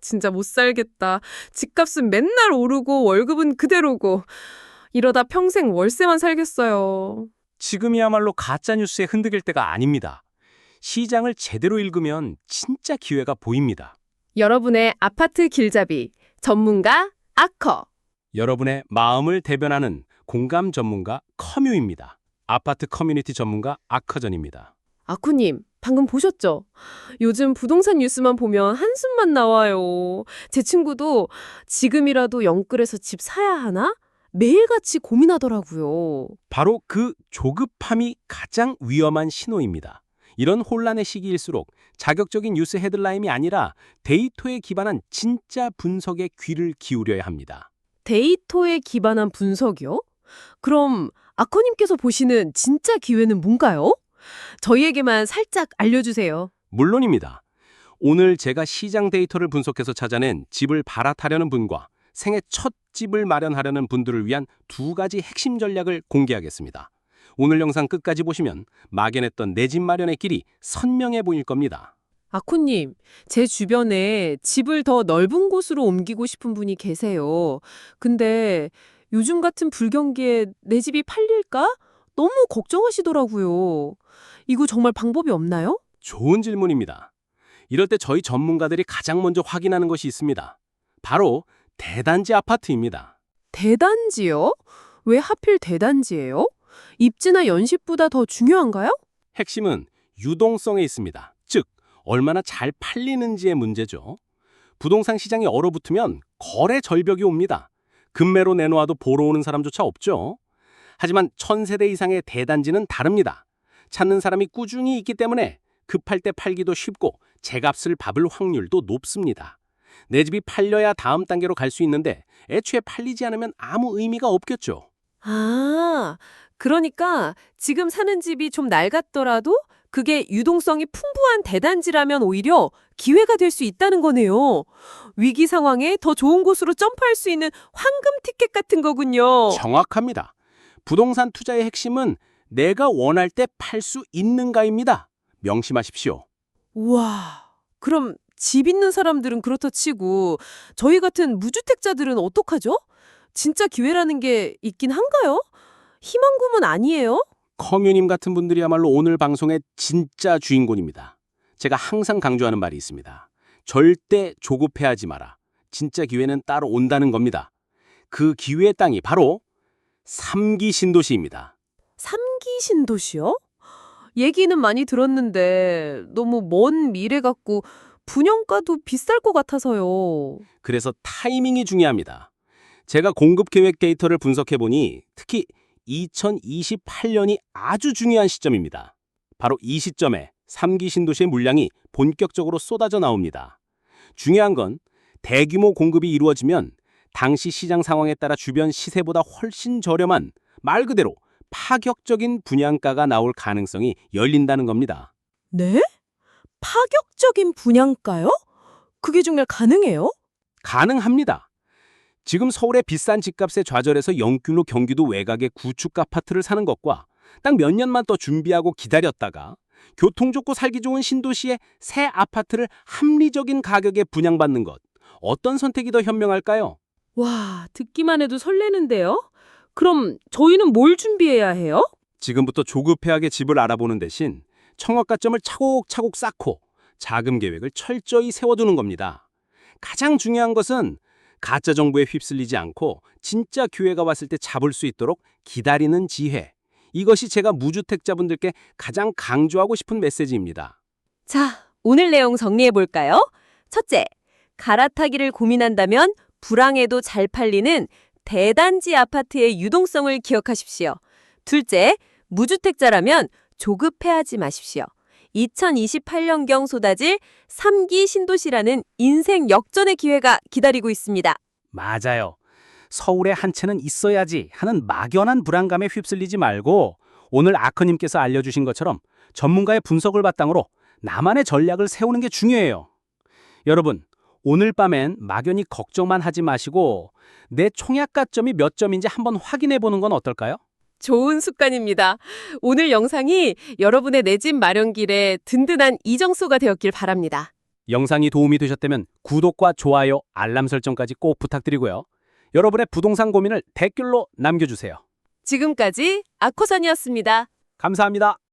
진짜 못 살겠다. 집값은 맨날 오르고 월급은 그대로고. 이러다 평생 월세만 살겠어요. 지금이야말로 가짜뉴스에 흔들릴 때가 아닙니다. 시장을 제대로 읽으면 진짜 기회가 보입니다. 여러분의 아파트 길잡이 전문가 아커. 여러분의 마음을 대변하는 공감 전문가 커뮤입니다. 아파트 커뮤니티 전문가 아커전입니다. 아쿠님, 방금 보셨죠? 요즘 부동산 뉴스만 보면 한숨만 나와요. 제 친구도 지금이라도 영끌에서 집 사야 하나? 매일같이 고민하더라고요. 바로 그 조급함이 가장 위험한 신호입니다. 이런 혼란의 시기일수록 자극적인 뉴스 헤드라인이 아니라 데이터에 기반한 진짜 분석에 귀를 기울여야 합니다. 데이터에 기반한 분석이요? 그럼 아커님께서 보시는 진짜 기회는 뭔가요? 저희에게만 살짝 알려주세요. 물론입니다. 오늘 제가 시장 데이터를 분석해서 찾아낸 집을 갈아타려는 분과 생애 첫 집을 마련하려는 분들을 위한 두 가지 핵심 전략을 공개하겠습니다. 오늘 영상 끝까지 보시면 막연했던 내 집 마련의 길이 선명해 보일 겁니다. 아코님, 제 주변에 집을 더 넓은 곳으로 옮기고 싶은 분이 계세요. 근데 요즘 같은 불경기에 내 집이 팔릴까? 너무 걱정하시더라고요. 이거 정말 방법이 없나요? 좋은 질문입니다. 이럴 때 저희 전문가들이 가장 먼저 확인하는 것이 있습니다. 바로 대단지 아파트입니다. 대단지요? 왜 하필 대단지예요? 입지나 연식보다 더 중요한가요? 핵심은 유동성에 있습니다. 즉, 얼마나 잘 팔리는지의 문제죠. 부동산 시장이 얼어붙으면 거래 절벽이 옵니다. 급매로 내놓아도 보러 오는 사람조차 없죠. 하지만 1000세대 이상의 대단지는 다릅니다. 찾는 사람이 꾸준히 있기 때문에 급할 때 팔기도 쉽고 제값을 밟을 확률도 높습니다. 내 집이 팔려야 다음 단계로 갈 수 있는데 애초에 팔리지 않으면 아무 의미가 없겠죠. 아, 그러니까 지금 사는 집이 좀 낡았더라도 그게 유동성이 풍부한 대단지라면 오히려 기회가 될 수 있다는 거네요. 위기 상황에 더 좋은 곳으로 점프할 수 있는 황금 티켓 같은 거군요. 정확합니다. 부동산 투자의 핵심은 내가 원할 때 팔 수 있는가입니다. 명심하십시오. 우와, 그럼 집 있는 사람들은 그렇다 치고 저희 같은 무주택자들은 어떡하죠? 진짜 기회라는 게 있긴 한가요? 희망고문 아니에요? 커뮤님 같은 분들이야말로 오늘 방송의 진짜 주인공입니다. 제가 항상 강조하는 말이 있습니다. 절대 조급해하지 마라. 진짜 기회는 따로 온다는 겁니다. 그 기회의 땅이 바로 3기 신도시입니다. 삼기 신도시요? 얘기는 많이 들었는데 너무 먼 미래 같고 분양가도 비쌀 것 같아서요. 그래서 타이밍이 중요합니다. 제가 공급 계획 데이터를 분석해보니 특히 2028년이 아주 중요한 시점입니다. 바로 이 시점에 3기 신도시의 물량이 본격적으로 쏟아져 나옵니다. 중요한 건 대규모 공급이 이루어지면 당시 시장 상황에 따라 주변 시세보다 훨씬 저렴한 말 그대로 파격적인 분양가가 나올 가능성이 열린다는 겁니다. 네? 파격적인 분양가요? 그게 정말 가능해요? 가능합니다. 지금 서울의 비싼 집값에 좌절해서 영균로 경기도 외곽의 구축 아파트를 사는 것과 딱 몇 년만 더 준비하고 기다렸다가 교통 좋고 살기 좋은 신도시의 새 아파트를 합리적인 가격에 분양받는 것. 어떤 선택이 더 현명할까요? 와, 듣기만 해도 설레는데요? 그럼 저희는 뭘 준비해야 해요? 지금부터 조급해하게 집을 알아보는 대신 청약가점을 차곡차곡 쌓고 자금 계획을 철저히 세워두는 겁니다. 가장 중요한 것은 가짜 정보에 휩쓸리지 않고 진짜 기회가 왔을 때 잡을 수 있도록 기다리는 지혜. 이것이 제가 무주택자분들께 가장 강조하고 싶은 메시지입니다. 자, 오늘 내용 정리해볼까요? 첫째, 갈아타기를 고민한다면 불황에도 잘 팔리는 대단지 아파트의 유동성을 기억하십시오. 둘째, 무주택자라면 조급해하지 마십시오. 2028년경 쏟아질 3기 신도시라는 인생 역전의 기회가 기다리고 있습니다. 맞아요. 서울에 한 채는 있어야지 하는 막연한 불안감에 휩쓸리지 말고 오늘 아커님께서 알려주신 것처럼 전문가의 분석을 바탕으로 나만의 전략을 세우는 게 중요해요. 여러분, 오늘 밤엔 막연히 걱정만 하지 마시고 내 총약가점이 몇 점인지 한번 확인해 보는 건 어떨까요? 좋은 습관입니다. 오늘 영상이 여러분의 내 집 마련 길에 든든한 이정소가 되었길 바랍니다. 영상이 도움이 되셨다면 구독과 좋아요, 알람 설정까지 꼭 부탁드리고요. 여러분의 부동산 고민을 댓글로 남겨주세요. 지금까지 아코선이었습니다. 감사합니다.